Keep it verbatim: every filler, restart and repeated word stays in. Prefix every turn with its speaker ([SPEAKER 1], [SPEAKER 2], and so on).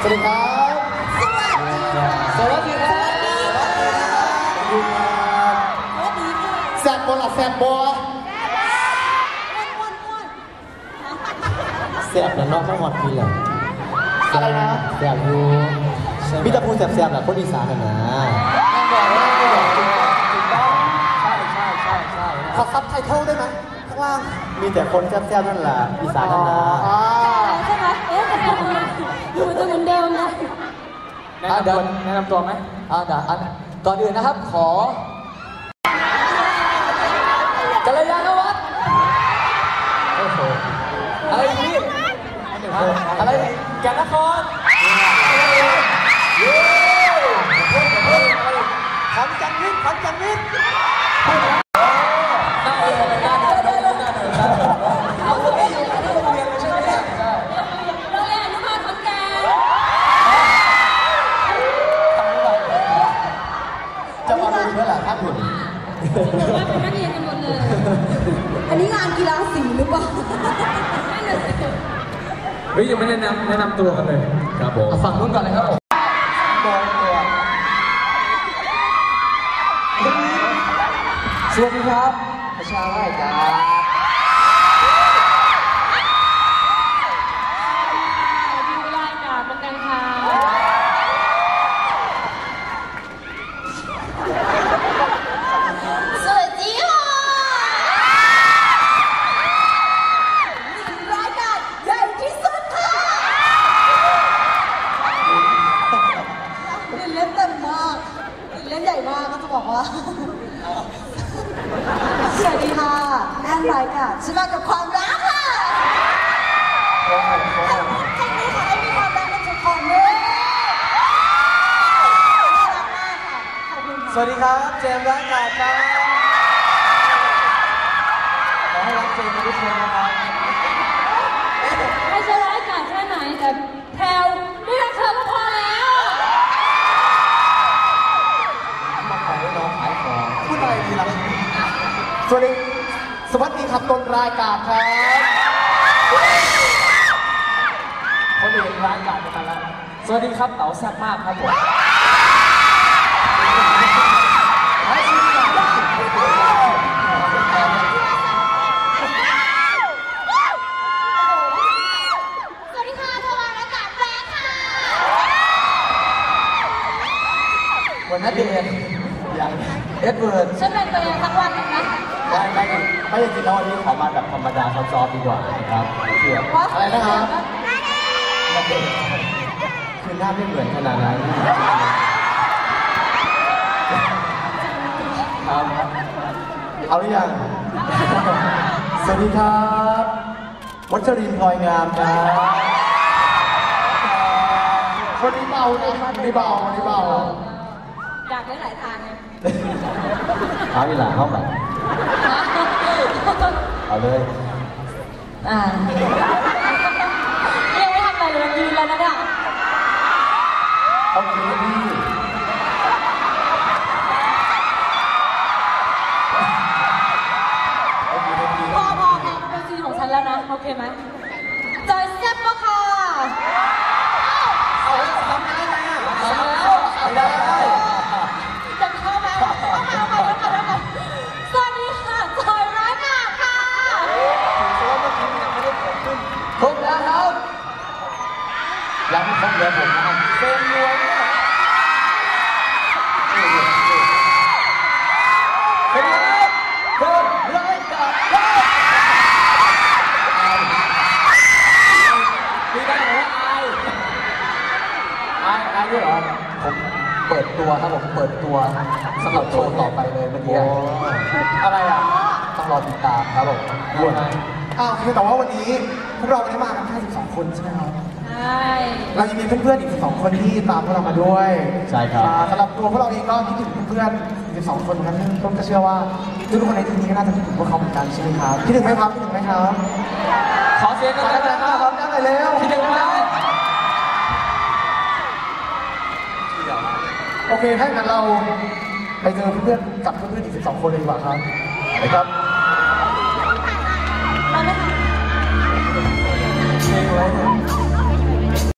[SPEAKER 1] วัสดีครับสวัสดีครับแซ่บบอลอะแซ่บบอลแซ่บแล้วนอกไม่หอดพี่เลยอะไรนะแซ่บอยู่พี่ตะพูแซ่บๆแหละคนอีสานนะนะใช่ใช่ใช่ใช่ขอซับไตเติลได้ไหมข้างล่างมีแต่คนแซ่บๆนั่นแหละอีสานนะนะ
[SPEAKER 2] ใช่ไหมเอ๊ะดูจะเหมือนเดิมนะ
[SPEAKER 3] แนะนำตัวแนะนำตัวไหมอ่าเดี๋ยวก่อนอื่นนะครับขอกัลยาณวัฒน์โอ้โหอะไรนี่อะไรแก่นนครขอนแก่นวิทย์ขอนแก่นวิทย์น่าเออน่าเดินน่าเดินน่าเดินน่าเดินเราไม่อยู่ในโรงเรียนเลยใช่ไหมเนี่ย
[SPEAKER 2] โรงเรียนอนุบาลขอนแก่น
[SPEAKER 1] จะมาดูเมื่อไหร่ครับคุณ
[SPEAKER 2] ผมว่าเป็นนักเรียนกันหมดเลยอันนี้งานกีฬาสีหรือเปล่า
[SPEAKER 3] เฮ้ยยังไม่แนะนำแนะนำตัวกันเลยครับผมฝั่งนู้นก่อนเลยครับผมสวัสดีครับประชาไร่จ้า
[SPEAKER 2] ดูรายการเหมือนกันค่ะสวัสดีค่ะรายการใหญ่ที่สุดค่ะเล่นเต็มมากเล่นใหญ่มากก็จะบอกว่าสวัสดีค่ะแอนไลค์ค่ะฉันมากับความรักค่ะใช่ไหมคะไอ้มีความรักกับทุกคนด้วยน่ารักมากค่ะขอบคุณค่ะ
[SPEAKER 1] สวัสดีครับเจมส์ร้านกาดครับขอให้รักเจมส์ทุกคนนะครับ
[SPEAKER 2] ไม่ใช่ร้ายกาจแค่ไหนแต่แพลวไม่รักเธอก็พอแล้ว
[SPEAKER 1] มาขายน้องขายของพูดอะไรดีล่ะสวัสดีสวัสดีครับต้นรายการครับ
[SPEAKER 3] คนอื่นร้านการกันแล้วสวัสดีครับเต๋าแซ่บมากครับผม
[SPEAKER 2] สวัสดีค่ะทวารอากาศแปลกค่ะ
[SPEAKER 1] วันนั้นเดือนอย่างเอ็ดเวิร์ด
[SPEAKER 2] ฉันเป็นตัวเองสักวันนึงนะ
[SPEAKER 1] ไม่ไม่ไม่จริงๆแล้ววันนี้ขอมาแบบธรรมดาซอฟๆดีกว่านะครับเชื่ออะไรนะครับคือหน้าไม่เหมือนขนาดนั้นครับเอาหรือยังสวัสดีครับวัชรินทร์พลอยงามครับคนนี้เบานะคนนี้เบาคนนี้เบา
[SPEAKER 2] อยากได้หลายทางไง
[SPEAKER 1] เอาอีหล่าเข้าไปเอาเลย
[SPEAKER 2] อ่ายังไม่ทำอะไรเลยยืนแล้วนะเนี่ย
[SPEAKER 1] เอาคืนพี่
[SPEAKER 2] พอพอแพ้เป็นซีนของฉันแล้วนะโอเคไหมจอยแซ่บปะค่ะ
[SPEAKER 1] เอาทำได้ไหมอ่ะทำแล้วได้ได้
[SPEAKER 2] จะเข้าไหมเข้ามาเข้ามาเข้ามาสวัสดีค่ะจอยร้ายหนาค่ะ
[SPEAKER 1] ครบแล้วครับยังไม่ครบเลยผมนะครับเซ็นรวมเป็นไงครับเพิ่มร้อยกับมีได้เหรออายอายอายด้วยเหรอผมเปิดตัวครับผมเปิดตัวสำหรับโชว์ต่อไปเลยเมื่อกี้อะไรอ่ะต้องรอติดตามครับผมด้วยอ้าวคือแต่ว่าวันนี้พวกเราไม่ได้มากันแค่สิบสองคนใช่ไหมครับ
[SPEAKER 2] ใช่
[SPEAKER 1] เรายังมีเพื่อนๆอีกสิบสองคนที่ตามพวกเรามาด้วยใช่ครับสำหรับตัวพวกเราเองก็คิดถึงเพื่อนๆสิบสองคนครับซึ่งต้นก็เชื่อว่าทุกคนในที่นี้ก็น่าจะคิดถึงพวกเขาเหมือนกันใช่ไหมครับคิดถึงไหมครับคิดถึงไหมครับ
[SPEAKER 3] ขอเสียงกันนะครับ
[SPEAKER 1] ได้เลยเร็ว
[SPEAKER 3] คิดถึงไหม
[SPEAKER 1] โอเคถ้างั้นเราไปเจอเพื่อนๆกับเพื่อนๆอีกสิบสองคนเลยดีกว่าครับไปครับ